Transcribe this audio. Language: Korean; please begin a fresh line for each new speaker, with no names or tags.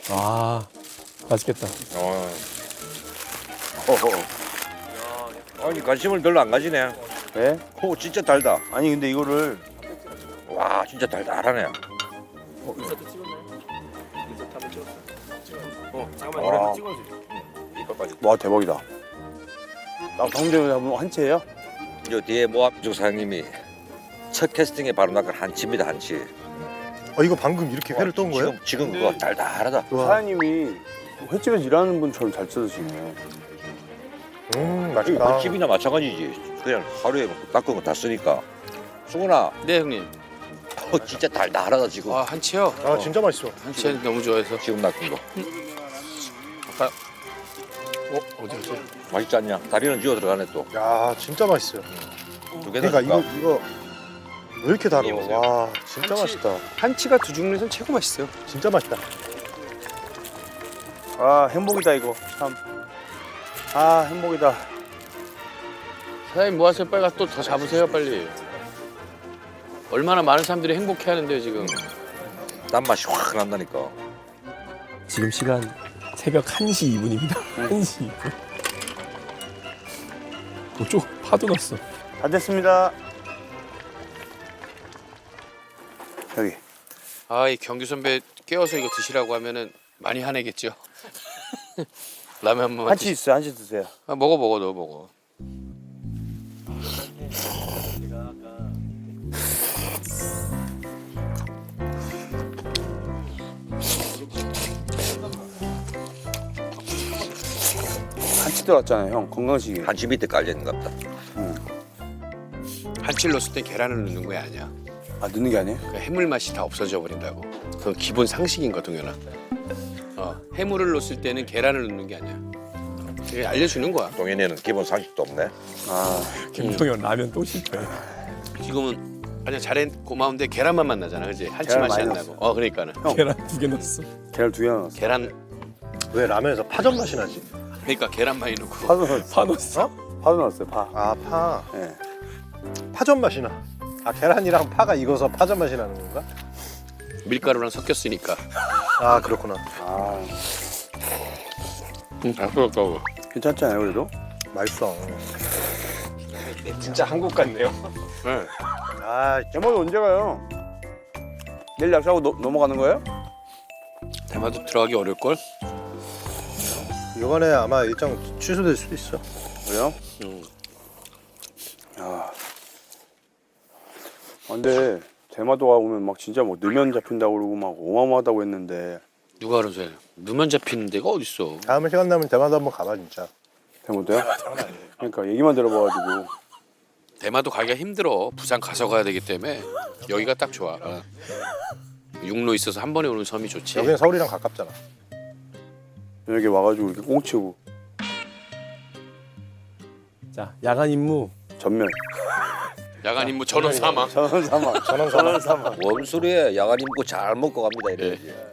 아, 맛있겠다.
아니 관심을 별로 안 가지네.
네?
오 진짜 달다.
아니 근데 이거를
와 진짜 달달하네.
잠깐만,
찍어줘. 이거까지.
와 대박이다. 나 방금 전에 한번 한 채예요?
저 뒤에 모함주 사장님이 첫 캐스팅에 바로 낚은 한치입니다 한치.
이거 방금 이렇게 회를 떤 거예요?
지금 그거 달달하다.
사장님이 횟집에서 일하는 분처럼 잘 찾으시네.
맛있다.
집이나 마찬가지지. 그냥 하루에 닦은 거 다 쓰니까. 수근아,
네 형님.
진짜 달달하다 지금.
아 한치요?
아 진짜 맛있어.
한치 너무 좋아해서.
지금 낚은 거.
아까 어디였지?
맛있지 않냐? 다리는 쥐어 들어가네 또.
야 진짜 맛있어요.
두 개나
그러니까
줄까?
이거 왜 이렇게 달아?
이게 보세요.
와 진짜 맛있다.
한치가 두 종류에선 최고 맛있어요.
진짜 맛있다.
아 행복이다 이거 참. 아 행복이다.
사장님 뭐 하세요? 빨리 가서 또 더 잡으세요 빨리. 얼마나 많은 사람들이 행복해하는데요 지금.
단맛이 확 난다니까.
지금 시간 새벽 1시 2분입니다. 1시 2분. 쪽 파도 났어.
다 됐습니다. 여기.
아 이 경규 선배 깨워서 이거 드시라고 하면은 많이 화내겠죠. 라면 한 번만
한치 있어요. 한치 드세요.
아, 먹어 너 먹어.
한치 들어갔잖아요 형. 건강식이.
한치 밑에 깔려 있는 것 같다.
한치를 넣었을 땐 계란을 넣는 거야 아니야.
아 넣는 게 아니에요?
그 해물 맛이 다 없어져 버린다고. 그 기본 상식인 거 동현아. 해물을 넣었을 때는 계란을 넣는 게 아니야. 그게 알려주는 거야.
동현이는 기본 상식도 없네.
아
김동현 라면 또 실패.
지금은 아니야 잘해 고마운데 계란만 만나잖아, 그지? 한치
계란
맛이 안
많이
나고. 그러니까는
계란 2개 넣었어.
계란 2개 넣었어.
계란
왜 라면에서 파전 맛이 나지?
그러니까 계란 많이 넣고.
파도 넣었어.
파 넣었어.
파도 넣었어요. 파.
아 파.
예.
파전 맛이 나. 아 계란이랑 파가 익어서 파전 맛이 나는 건가?
밀가루랑 섞였으니까.
아 그렇구나.
아
아까워.
괜찮잖아요 그래도.
맛있어.
진짜 한국 같네요.
네.
아
대마도 언제 가요? 내일 약속하고 넘어가는 거예요?
대마도 들어가기 어려울 걸.
이번에 아마 일정 취소될 수도 있어.
그래요?
음.
아 근데 대마도가 오면 막 진짜 뭐 넣으면 잡힌다고 그러고 막 어마어마하다고 했는데
누가 그러세요 넣으면 잡히는 데가 어딨어.
다음에 시간 나면 대만도 한번 가봐 진짜.
대마도요? 그러니까 얘기만 들어봐가지고
대마도 가기가 힘들어. 부산 가서 가야 되기 때문에 여기가 딱 좋아. 육로 있어서 한 번에 오는 섬이 좋지.
여기는 서울이랑 가깝잖아.
여기 와가지고 이렇게 꽁치고
자, 야간 임무.
전면
야간 임무 전원 사망.
전원 사망
전원 사망.
사망
뭔 소리야? 야간 임고 잘 먹고 갑니다 이래야지.